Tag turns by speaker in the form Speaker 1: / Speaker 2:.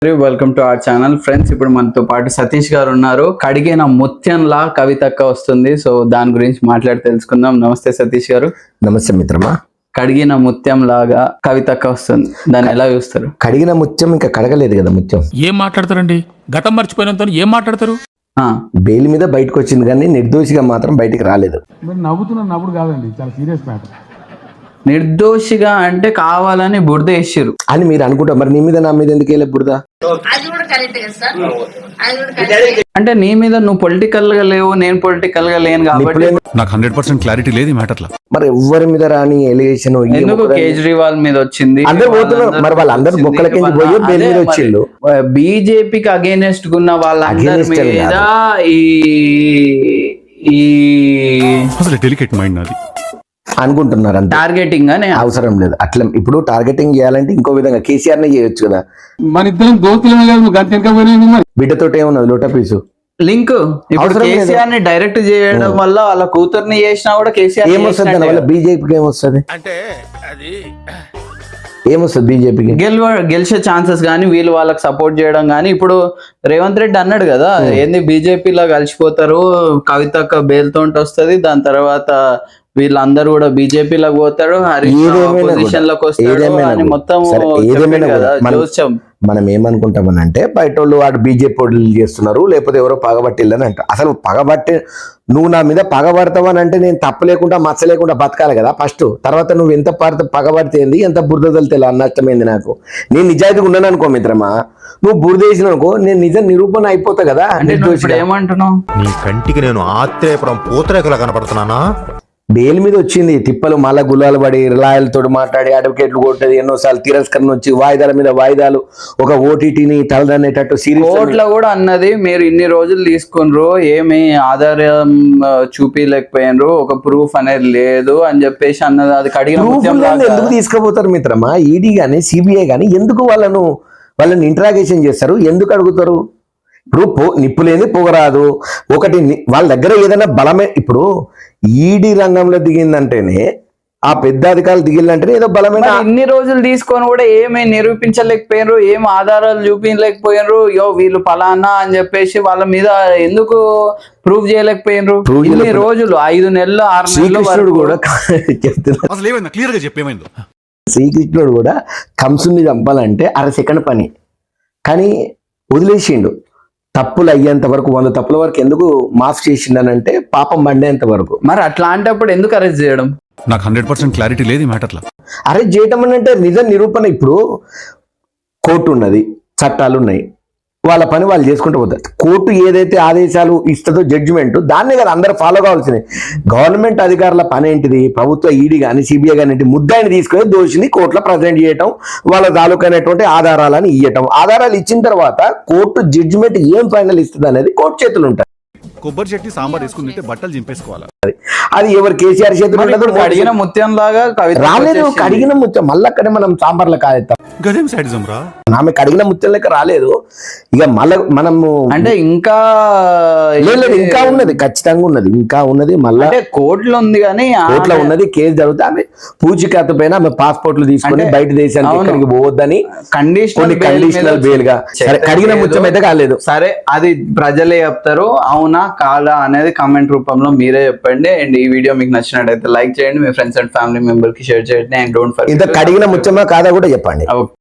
Speaker 1: Welcome to our channel friends. ఇప్పుడు మనతో పాటు సతీష్ గారు ఉన్నారు. కడిగిన ముత్యంలా కవితక్క వస్తుంది. సో దాని గురించి మాట్లాడి తెలుసుకుందాం. నమస్తే సతీష్ గారు.
Speaker 2: నమస్తే మిత్రమా.
Speaker 1: కడిగిన ముత్యం లాగా కవితక్క వస్తుంది, దాన్ని ఎలా చూస్తారు?
Speaker 2: కడిగిన ముత్యం ఇంకా కడగలేదు కదా ముత్యం.
Speaker 3: ఏం మాట్లాడతారండి? గతం మర్చిపోయినంత ఏం మాట్లాడతారు?
Speaker 2: బెయిల్ మీద బయటకు వచ్చింది కానీ నిర్దోషిగా మాత్రం బయటికి రాలేదు.
Speaker 4: నవ్వుతున్నప్పుడు కాదండి, చాలా సీరియస్ మ్యాటర్.
Speaker 1: నిర్దోషిగా అంటే కావాలని బురద వేసిరు
Speaker 2: అని మీరు అనుకుంటారు. మరి నీ మీద నా మీద ఎందుకు వెళ్ళే బురద?
Speaker 1: అంటే నీ మీద నువ్వు పొలిటికల్ గా లేవు, నేను పొలిటికల్ గా లేను కాబట్టి
Speaker 3: నాకు 100% క్లారిటీ లేదు ఈ మ్యాటర్లో.
Speaker 2: మరి ఎవరి మీద రాని ఎలిగేషన్
Speaker 1: ఎందుకు కేజ్రీవాల్ మీద వచ్చింది?
Speaker 2: అందరు పోతున్నారు. మరి వాళ్ళందరూ బొక్కలకి పోయి బెయిల్ మీద వచ్చిండు.
Speaker 1: బీజేపీకి అగేనెస్ట్ ఉన్న వాళ్ళందరి మీద ఈ
Speaker 3: అసలు డెలికేట్ మైండ్ నాది
Speaker 2: అనుకుంటున్నారు. అంతే.
Speaker 1: టార్గెటింగ్ అని
Speaker 2: అవసరం లేదు. అట్లా ఇప్పుడు టార్గెటింగ్ చేయాలంటే ఇంకో విధంగా కేసీఆర్ నే చేయొచ్చు కదా.
Speaker 4: మన ఇద్దరం దోస్తులమే కదా, నువ్వు గంట వెనక పోయినా మరి
Speaker 2: బిడ్డతో ఏమున్నది లోట పీసు
Speaker 1: లింక్. ఇప్పుడు కేసీఆర్ ని డైరెక్ట్ చేయడం వల్ల వాళ్ళ కూతుర్ని చేసినా కూడా కేసీఆర్
Speaker 2: ఏమొస్తుంది? దాని వల్ల బీజేపీకి ఏమొస్తుంది?
Speaker 3: అంటే అది
Speaker 2: ఏమొస్తుంది బీజేపీకి?
Speaker 1: గెలిచే ఛాన్సెస్ కానీ వీళ్ళు వాళ్ళకి సపోర్ట్ చేయడం కానీ. ఇప్పుడు రేవంత్ రెడ్డి అన్నాడు కదా, ఏంది బీజేపీలో కలిసిపోతారు, కవితక్క బేల్తో వస్తుంది, దాని తర్వాత వీళ్ళందరూ కూడా బీజేపీలోకి పోతాడు, పొజిషన్ లోకి వస్తాడు అని మొత్తం చూసాం.
Speaker 2: మనం ఏమనుకుంటామనంటే బయట వాళ్ళు వాడు బీజేపీ వాళ్ళు చేస్తున్నారు, లేకపోతే ఎవరో పగబట్టిల్లని అంట. అసలు పగబట్టి నువ్వు నా మీద పగబడతావని అంటే నేను తప్పు లేకుండా మచ్చ లేకుండా బతకాలి కదా ఫస్ట్. తర్వాత నువ్వు ఎంత పగబడితేంది, ఎంత బురద తల్లి అన్నష్టమైంది నాకు. నేను నిజాయితీగా ఉన్నాను అనుకో మిత్రమా, నువ్వు బురద వేసిన అనుకో, నేను నిజ నిరూపణ అయిపోతా కదా.
Speaker 1: ఏమంటున్నావు?
Speaker 5: నీ కంటికి నేను ఆత్రేయపురం పూతరేకులా కనపడుతున్నానా?
Speaker 2: బెయిల్ మీద వచ్చింది తిప్పలు, మళ్ళా గులాలు పడి లాయర్లతో మాట్లాడి అడ్వకేట్లు కొట్టేది, ఎన్నోసార్లు తిరస్కరణ వచ్చి వాయిదాల మీద వాయిదాలు, ఒక ఓటీటీని తలదన్నేటట్టు
Speaker 1: కోర్టులో కూడా అన్నది మీరు ఇన్ని రోజులు తీసుకున్నారు, ఏమి ఆధారం చూపించలేకపోయినరు, ఒక ప్రూఫ్ అనేది లేదు అని చెప్పేసి అన్నది. అది
Speaker 2: ఎందుకు తీసుకుపోతారు మిత్రమా? ఈడీ గానీ సిబిఐ గానీ ఎందుకు వాళ్ళని ఇంట్రాగేషన్ చేస్తారు? ఎందుకు అడుగుతారు? ఇప్పుడు నిప్పు లేని పొగరాదు. ఒకటి వాళ్ళ దగ్గర ఏదైనా బలమే. ఇప్పుడు ఈడీ రంగంలో దిగిందంటేనే, ఆ పెద్ద అధికారులు దిగిందంటేనే ఏదో బలమైన.
Speaker 1: ఇన్ని రోజులు తీసుకొని కూడా ఏమీ నిరూపించలేకపోయినరు, ఏం ఆధారాలు చూపించలేకపోయినరు. వీళ్ళు ఫలానా అని చెప్పేసి వాళ్ళ మీద ఎందుకు ప్రూవ్ చేయలేకపోయినరు? ఇన్ని రోజులు 5 నెలలు 6 నెలలు
Speaker 2: కూడా చెప్తున్నా.
Speaker 3: అసలు ఏమైంది క్లియర్ గా చెప్పేమైందో.
Speaker 2: శ్రీకృష్ణుడు కూడా కంసుని చంపాలంటే 1/2 సెకండ్ పని, కానీ వదిలేసిండు. తప్పులు అయ్యేంత వరకు 100 తప్పుల వరకు ఎందుకు మాఫ్ చేసిండనంటే పాపం పండేంత వరకు.
Speaker 1: మరి అట్లాంటప్పుడు ఎందుకు అరెస్ట్ చేయడం?
Speaker 3: నాకు 100% క్లారిటీ లేదు ఈ మ్యాటర్లో.
Speaker 2: అరెస్ట్ చేయటం అంటే నిజ నిరూపణ. ఇప్పుడు కోర్టు ఉన్నది, చట్టాలు ఉన్నాయి, వాళ్ళ పని వాళ్ళు చేసుకుంటూ పోతారు. కోర్టు ఏదైతే ఆదేశాలు ఇస్తుందో జడ్జిమెంట్, దాన్నే కదా అందరూ ఫాలో కావాల్సింది. గవర్నమెంట్ అధికారుల పని ఏంటిది? ప్రభుత్వ ఈడీ కానీ సిబిఐ కానీ ముద్దాయిని తీసుకొని దోషిని కోర్టులో ప్రజెంట్ చేయటం, వాళ్ళ తాలూకైనటువంటి ఆధారాలను ఇవ్వటం. ఆధారాలు ఇచ్చిన తర్వాత కోర్టు జడ్జిమెంట్ ఏం ఫైనల్ ఇస్తుంది అనేది కోర్టు చేతులు ఉంటాయి.
Speaker 3: కొబ్బరి చట్నీ సాంబార్ వేసుకుంటే బట్టలు చింపేసుకోవాలి.
Speaker 2: అది ఎవరు కేసీఆర్ చేతులు
Speaker 1: కడిగిన ముత్యం లాగా
Speaker 2: రాలేదు. కడిగిన ముత్యం మళ్ళీ అక్కడే మనం సాంబార్లో కాదేస్తాం.
Speaker 3: గదేం సైడిజం రా.
Speaker 2: ఆమె కడిగిన ముత్యం లెక్క రాలేదు. ఇక మళ్ళీ మనము
Speaker 1: అంటే ఇంకా
Speaker 2: ఇంకా ఉన్నది, ఖచ్చితంగా ఉన్నది, ఇంకా ఉన్నది. మళ్ళీ
Speaker 1: కోర్టులో ఉంది కానీ
Speaker 2: కోర్టులో ఉన్నది, కేసు జరుగుతుంది. ఆమె పూచికత్తు పైన ఆమె పాస్పోర్ట్లు తీసుకొని బయట దేశానికి ఎక్కడికి పోవద్దని కండిషనల్ బెయిల్ గా. కడిగిన ముత్యం అయితే కాలేదు.
Speaker 1: సరే, అది ప్రజలే చెప్తారు, అవునా కాదా అనేది కామెంట్ రూపంలో మీరే చెప్పండి. అండ్ ఈ వీడియో మీకు నచ్చినట్టయితే లైక్ చేయండి, మీ ఫ్రెండ్స్ అండ్ ఫ్యామిలీ మెంబర్ కి షేర్ చేయండి. అండ్ డోంట్ ఫర్గెట్,
Speaker 2: ఇంత కడిగిన ముత్యమా కాదా కూడా చెప్పండి.